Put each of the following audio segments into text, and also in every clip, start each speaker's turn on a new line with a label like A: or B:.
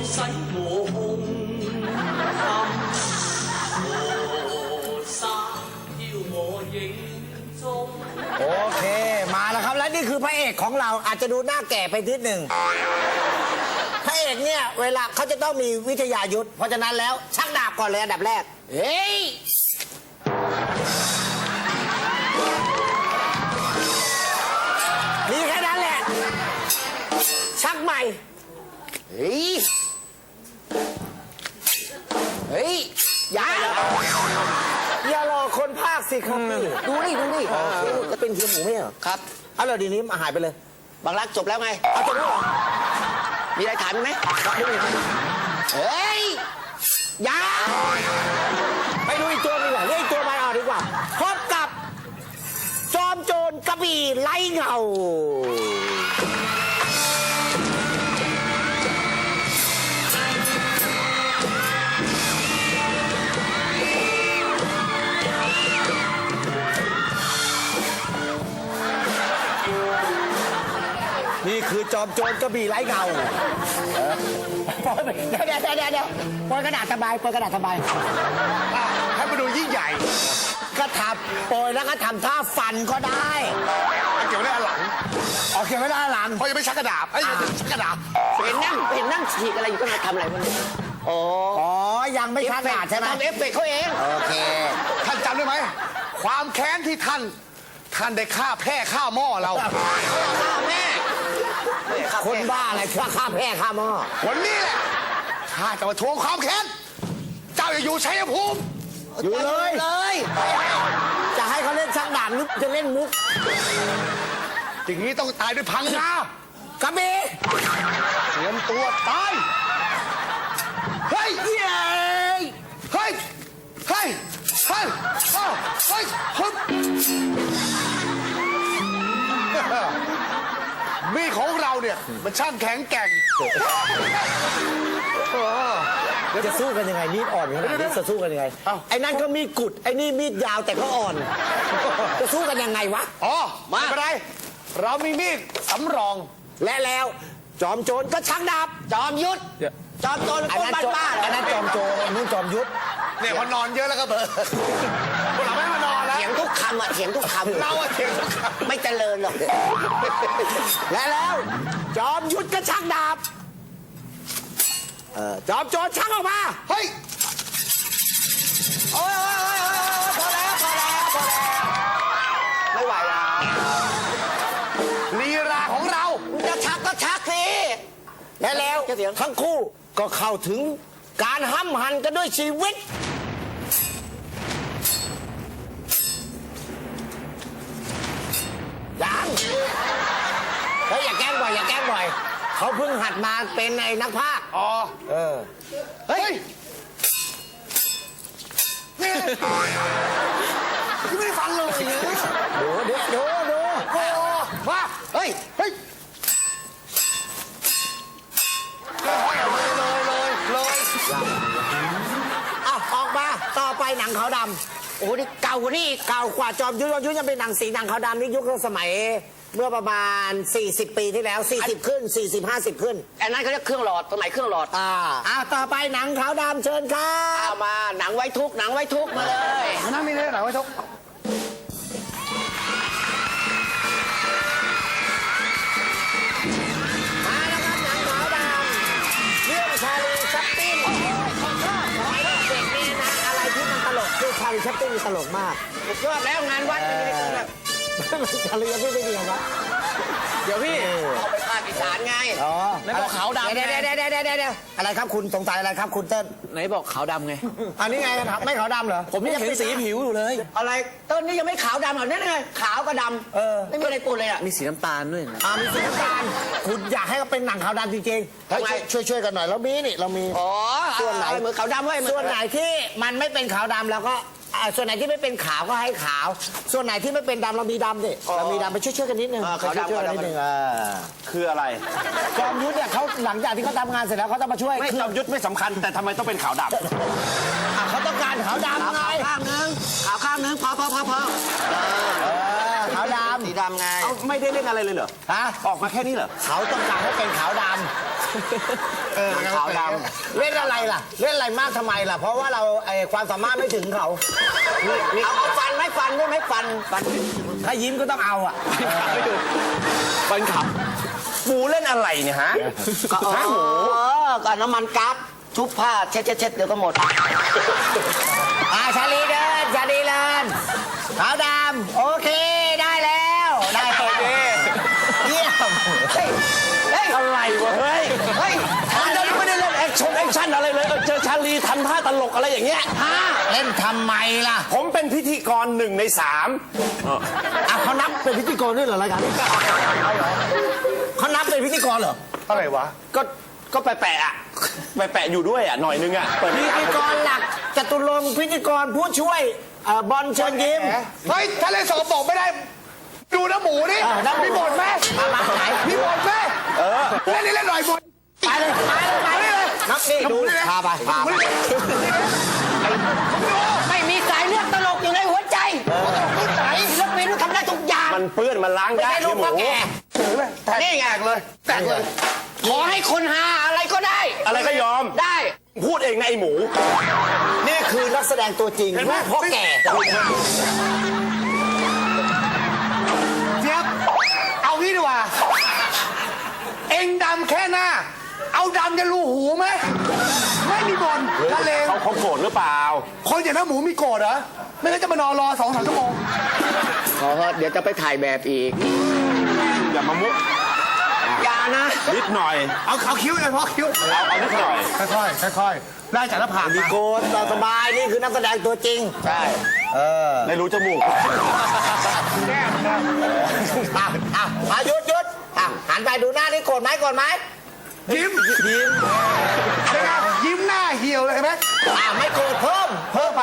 A: 使我空心沙飄我影蹤。
B: โอเคมาแล้วครับและนี่คือพระเอกของเราอาจจะดูหน้าแก่ไปนิดหนึ่งพระเอกเนี่ยเวลาเขาจะต้องมีวิทยายุทธเพราะฉะนั้นแล้วชักดาบก่อนเลยอันดับแรกเฮ้ยมีแค่นั้นแหละชักใหม่เฮ้ยเฮ้ยอย่ารอคนภาคสิครับพี่ดูนี่จะเป็นเทียมหมูไหมเหรอครับเอาเลยดีนี้มาหายไปเลยบางรักจบแล้วไงเอาจบแล้วเหรอมีอะไรถามไหมเฮ้ยอย่าไปดูอีกตัวนึงเรียกอีกตัวมาเอาดีกว่าพบกับจอมโจรกระบี่ไร้เงานี่คือจอมโจรกระบี่ไร้เงาเดี๋ยวปล่อยกระดาษสบายปล่อยกระดาษสบายให้มาดูยิ่งใหญ่ก็ทำโปรยแล้วก็ทำท่าฟันก็ได้เกี่ยวไว้ด้านหลังเกี่ยวไว้ด้านหลังเพราะยังไม่ชักกระดาษชักกระดาษเห็นนั่งฉีกอะไรอยู่ก็มาทำอะไรมันอ๋อยังไม่ชักกระดาษใช่ไหมทำเอฟเฟกต์เขาเองโอเคท่านจำได้ไหมความแค้นที่ท่านได้ฆ่าแพร่ฆ่าหม้อเราฆ่าแม่คนบ้าอะไรฆ่าแพร่ฆ่าหม้อวันนี้แหละข้าจะมาทวงความแค้นเจ้าอย่าอยู่ชัยภูมิอยู่เลยจะให้เขาเล่นชักดาบหรือจะเล่นมุกอย่างนี้ต้องตายด้วยพังงากระบี่เตรียมตัวตายเฮ้ยมีดของเราเนี่ยมันช่างแข็งแกร่งจะสู้กันยังไงมีดอ่อนขนาดนี้จะสู้กันยังไงไอ้นั่นก็มีดกุดไอ้นี่มีดยาวแต่ก็อ่อนจะสู้กันยังไงวะไม่เป็นไรเรามีมีดสำรองและแล้วจอมโจรก็ชักดาบจอมยุทธจอมโจรคนบ้าอันนั้นจอมโจรอันนี้จอมยุทธเนี่ยพอนอนเยอะแล้วก็เบอร์เราไม่มานอนแล้วเถียงทุกคำเถียงทุกคำเราเถียงทุกคำไม่เจริญหรอกและแล้วจอมยุทธก็ชักดาบจอมโจรชักออกมาเฮ้ยโอ้ยพอแล้วไม่ไหวแล้วลีลาของเราจะชักก็ชักสิและแล้วทั้งคู่ก็เข้าถึงการห้ำหั่นกันด้วยชีวิตยังเฮ้ยอย่าแกล้งบ่อยเขาเพิ่งหัดมาเป็นไอ้นักพากย์เฮ้ยนี่ไม่ได้ฟังเลยดูมาเฮ้ยเลยออกมาต่อไปหนังขาวดำโอ้นี่เก่ากว่านี่เก่ากว่าจอมยุทธยังเป็นหนังสีหนังขาวดำนี่ยุคสมัยเมื่อประมาณ40 ปีที่แล้ว40ขึ้น40-50ขึ้นอันนั้นเขาเรียกเครื่องหลอดสมัยเครื่องหลอดต่อไปหนังขาวดำเชิญครับมาหนังไว้ทุกมาเลยนั่นมีเลยหนังไว้ทุกมาแล้วครับหนังขาวดำเรื่องชาลีชัปปิ้นเด็กนี่นะอะไรที่มันตลกคือชาลีชัปปิ้นตลกมากสุดยอดแล้วงานวัดเป็นแบบชาลีชัปปิ้นไม่ดีครับเดี๋ยวพี่เอาไปภาคอีสานไงไหนบอกขาวดำเดี๋ยวอะไรครับคุณสงสัยอะไรครับคุณเติ้ลไหนบอกขาวดำไงอันนี้ไงไม่ขาวดำเหรอผมยังเห็นสีผิวอยู่เลยอะไรเติ้ลนี่ยังไม่ขาวดำเหรอนั่นไงขาวกับดำไม่มีอะไรปนเลยอ่ะมีสีน้ำตาลด้วยมีสีน้ำตาลคุณอยากให้เขาเป็นหนังขาวดำจริงๆช่วยกันหน่อยเรามีส่วนไหนเหมือนขาวดำไว้ส่วนไหนที่มันไม่เป็นขาวดำแล้วก็ส่วนไหนที่ไม่เป็นขาวก็ให้ขาวส่วนไหนที่ไม่เป็นดำเรามีดำดิเรามีดำไปช่วยกันนิดนึงขาวดำนิดนึง
C: คืออะไร
B: จอมยุทธเนี่ยเขาหลังจากที่เขาทำงานเสร็จแล้วเขาต้องมาช่วย
C: จอมยุทธไม่สำคัญแต่ทำไมต้องเป็นขาวดำ
B: เขาต้องการขาวดำไง
D: ขาวข้างนึงพอ
B: ขาวดำ
D: สีดำไง
C: ไม่ได้เล่นอะไรเลยเหรอ
B: ฮะ
C: ออกมาแค่นี้เหรอ
B: เขาต้องการให้เป็นขาวดขาวดำเล่นอะไรล่ะ เล่นอะไรมากทำไมล่ะ เพราะว่าเราความสามารถไม่ถึงเขาเอาฟันไหมฟันได้ไหมฟันถ้ายิ้มก็ต้องเอาอ่ะ
C: ฟันขับหมูเล่นอะไรเนี่ยฮะ
D: ก็หมูกับน้ำมันก๊าซชุบผ้าเช็ดเดี๋ยวก็หมด
B: ชาลีเดินขาวดำโอเคได้แล้วได้โอเคเยี่ยม
C: อะไรวะเฮ้ย
D: เฮ้ย
C: มันจะไม่ได้เล่นแอคชั่นอะไรเลยเจอชาลีทำท่าตลกอะไรอย่างเงี้ย
B: เล่นทำไมล่ะ
C: ผมเป็นพิธีกร1 ใน 3
B: เขานับเป็นพิธีกรด้วยเหรอรายการนี้เขานับเป็นพิธีกรเหรอ
C: อะไรวะก็แปะๆอ่ะแปะอยู่ด้วยอ่ะหน่อยนึงอ่ะเปิด
B: พิธีกรหลักจตุรงค์พิธีกรผู้ช่วยบอลเชิญยิ้ม
E: เฮ้ย ถ้าเล่นสกปรกไม่ได้ ดูน้ำหมูนี่
B: น้ำหมู
E: มีบ่นไหม
B: มาไหน
E: มีบ่นไหมเล่นนี่เล่นหน่อยบ่น
B: ไปเลยนับนี่ดูพาไปไม่มีสายเลือดตลกอยู่ในหัวใจไหนศิลปินทำได้ทุกอย่าง
C: มันเปื้อนมันล้าง
B: ไม่
C: ได้
B: ใช่ลูก
C: หมู
B: พ่อแก่นี่ไงแตกเลยขอให้คนหาอะไรก็ได้
C: อะไรก็ยอม
B: ได้
C: พูดเองนะไอหมู
B: นี่คือนักแสดงตัวจริงลูกพ่อแก่
E: เจี๊ยบ เอางี้ดีกว่า เอ็งดำแค่หน้า เอาดำจะรูหูไหม ไม่มีบ่นละเลง
C: เขาโกรธหรือเปล่า
E: คนอย่างน้ำหมูมีโกรธเหรอ ไม่งั้นจะมานอนรอ2-3 ชั่วโมง
D: ขอเดี๋ยวจะไปถ่ายแบบอีก
C: อย่ามามุก
D: อย่านะ
C: นิดหน่อย
E: เอาคิ้วเลยพ่อคิ้ว
C: เอานิดหน่อย
E: ค่อยๆได้จากหน้าผาก
B: มี
E: มา
B: โกนเราสบายนี่คือนักแสดงตัวจริง
D: ใช่
C: ไม่รู้จมูก
B: หยุดหันไปดูหน้านี่โกรธไหม
E: ยิ้มเป็นไงยิ้มหน้าเหี่ยวเลยเห็นไหม
B: ไม่โกรธเพิ่ม
E: ไป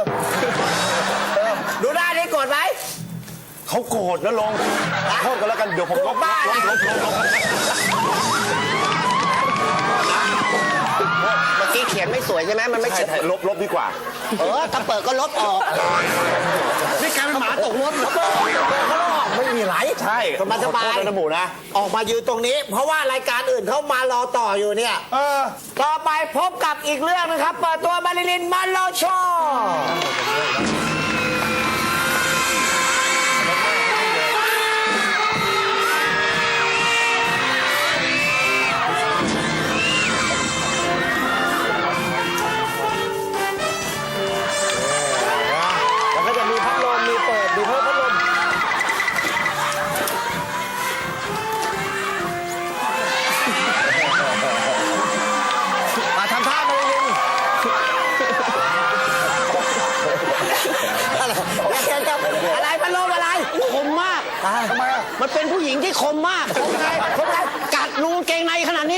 B: ดูหน้านี่โกรธไหม
C: เขาโกรธนะลงโทษกันแล้วกันเดี๋ยวผมลบ
B: บ้า
C: ลบ
D: เมื่อกี้เขียนไม่สวยใช่ไหมมันไม่
C: ใช่
D: เขียน
C: ลบดีกว่า
D: ถ้าเปิดก็ลบออก
E: นี่กลายเป็นหมาตกรถ
B: ไม่มีไร
C: ใช่
B: สบาย
C: ขอโทษนะหมูนะ
B: ออกมายืนตรงนี้ เพราะว่ารายการอื่นเขามารอต่ออยู่เนี่ย ต่อไปพบกับอีกเรื่องนะครับ เปิดตัวมาริลินมอนโรโชแล้วก็จะมีพัดลมมีเปิดมีเพิ่มพัดลมมาทำท่ามาริลินอะไรพัดลมอะไร
D: คมมาก
E: ทำไมอ่ะ
D: มันเป็นผู้หญิงที่คมมาก
B: คมไง
D: กัดรูกางเกงในขนาดนี้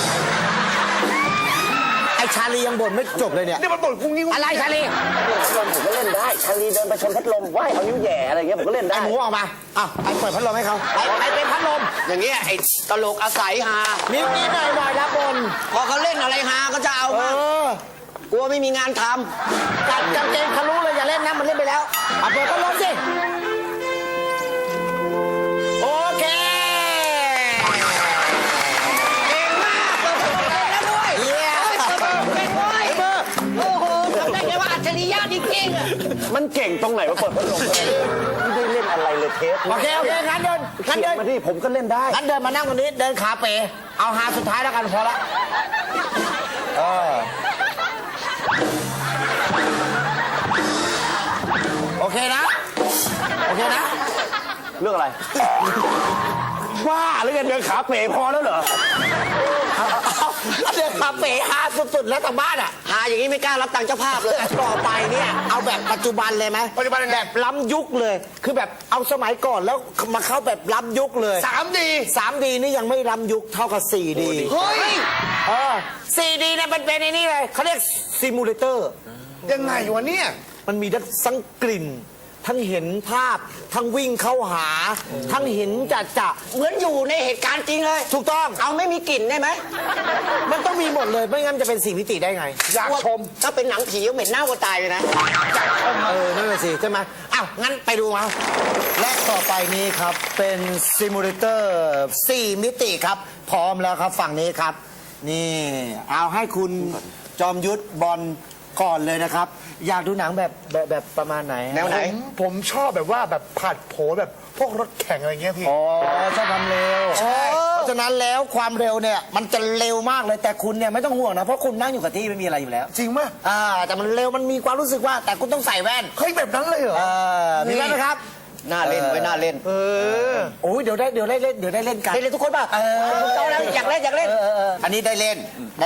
B: ไอชาลียังบ่นไม่จบเลยเนี่ย
E: นี่มันบ่นกุ้งนิ้ว
B: อะไรชาลี
C: ผมก็เล่นได้ชาลีเดินไปชนพัดลมไหวเอานิ้วแหย่อะไรเงี้ยผมก็เล่น
B: ไอ
C: ได้
B: หมูออกมาไปเปิดพัดลมให้เขาไปเป็นพัดลม
D: อย่างเงี้ยไอ้ตลกอาศัยฮา
B: นิดหน่อยนะบน
D: พอเขาเล่นอะไรฮาก็จะเอามากลัวไม่มีงานท
B: กัดกางเกงทะลุเลยอย่าเล่นนะมันเล่นไปแล้วเปิดพัดลมสิโอเค
D: ำเก่งมากเปิดเก่งแล้วด้วย
B: เยี่ยม
D: เก่งด้วยโอ้โหทำได้ไงว่าอัจฉริยะจริงๆอะ
C: มันเก่งตรงไหนว่าเปิดพัดลมไม่ได้เล่นอะไรเลยเทป
B: โอเคงั้นเดิน
C: เขียนมาดิผมก็เล่นได้
B: งั้นเดินมานั่งตรงนี้เดินขาเป๋เอาหาสุดท้ายแล้วกันพอละโอเคนะ
C: เรื่องอะไรว่าหรือไงเดินขาเป๋พอแล้วเหรอ
B: เดินขาเป๋หาสุดๆแล้วทางบ้านอ่ะ
D: หาอย่างนี้ไม่กล้ารับตังค์เจ้าภาพเลย
B: ต่อไปเนี่ยเอาแบบปัจจุบันเลยไหม
E: ปัจจุบันยังไง
B: แบบล้ำยุคเลย คือแบบเอาสมัยก่อนแล้วมาเข้าแบบล้ำยุคเลย
E: 3D
B: 3D นี่ยังไม่ล้ำยุคเท่ากับ 4D
E: เฮ้ย
B: 4D เนี่ยมันเป็นในนี่เลยเขาเรียกซิมูเลเตอร์
E: ยังไงวะเนี่ย
B: มันมีทั้งกลิ่น ทั้งเห็นภาพ ทั้งวิ่งเข้าหา ทั้งเห็นจะ
D: เหมือนอยู่ในเหตุการณ์จริงเลย
B: ถูกต้อง
D: เอาไม่มีกลิ่นได้ไหม
B: มันต้องมีหมดเลย ไม่งั้นจะเป็น4มิติได้ไง
E: อยากชม
D: ถ้าเป็นหนังผีก็เหม็นหน้าวัวตายเลยนะ
B: นั่นแหละสิใช่ไหมอ้าว งั้นไปดูมาและต่อไปนี้ครับ เป็นซิมูเลเตอร์4มิติครับ พร้อมแล้วครับฝั่งนี้ครับนี่ เอาให้คุณจอมยุทธบอลก่อนเลยนะครับ อยากดูหนังแบบประมาณไหน
C: แนวไหน
E: ผมชอบแบบว่าแบบผัดโผแบบพวกรถแข่งอะไรเงี้ยพี่
B: อ๋อชอบความเร็วเพราะฉะนั้นแล้วความเร็วเนี่ยมันจะเร็วมากเลยแต่คุณเนี่ยไม่ต้องห่วงนะเพราะคุณนั่งอยู่กับที่ไม่มีอะไรอยู่แล้ว
E: จริงมั้ย
B: แต่มันเร็วมันมีความรู้สึกว่า แต่คุณต้องใส่แว่น
E: เฮ้ยแบบนั้นเลยเหรอ
B: มีแว่นไหมครับ
D: น่าเล่นไว้น่าเล่น
B: โอ้ยเดี๋ยวได้เล่นกัน
D: ได้เล่นทุกคนป่ะโตแล้วอยากเล่นอยากเล่น
B: อันนี้ได้เล่น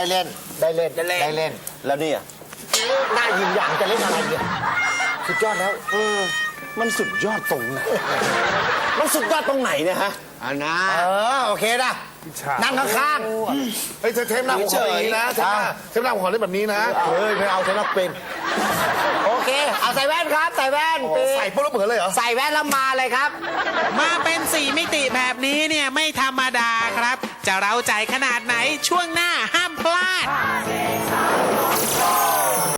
C: แล้วนี่อ่ะ
B: หน้ายิงอย่างจะเล่นอะไรเนี่ยสุดยอดแล้ว
C: มันสุดยอดตรงไหนมันสุดยอดตรงไหนเนี่ยฮะ
D: อันนะ
B: โอเคนะนั่งข้าง
E: เฮ้ยเทปหน้าผมขอแบบนี้นะเทปหน้าผมขอเล่นแบบนี้นะ
B: ๆเฮ้ยไม่เอาใช้นักเป็นโอเคเอาใส่แว่นครับใส่แว่นปี
E: ใส่ปุ๊บแล้วเหมือนเลยเหรอ
B: ใส่แว่นแล้วมาเลยครับ
F: มาเป็น4 มิติแบบนี้เนี่ยไม่ธรรมดาครับ จะเร้าใจขนาดไหนช่วงหน้า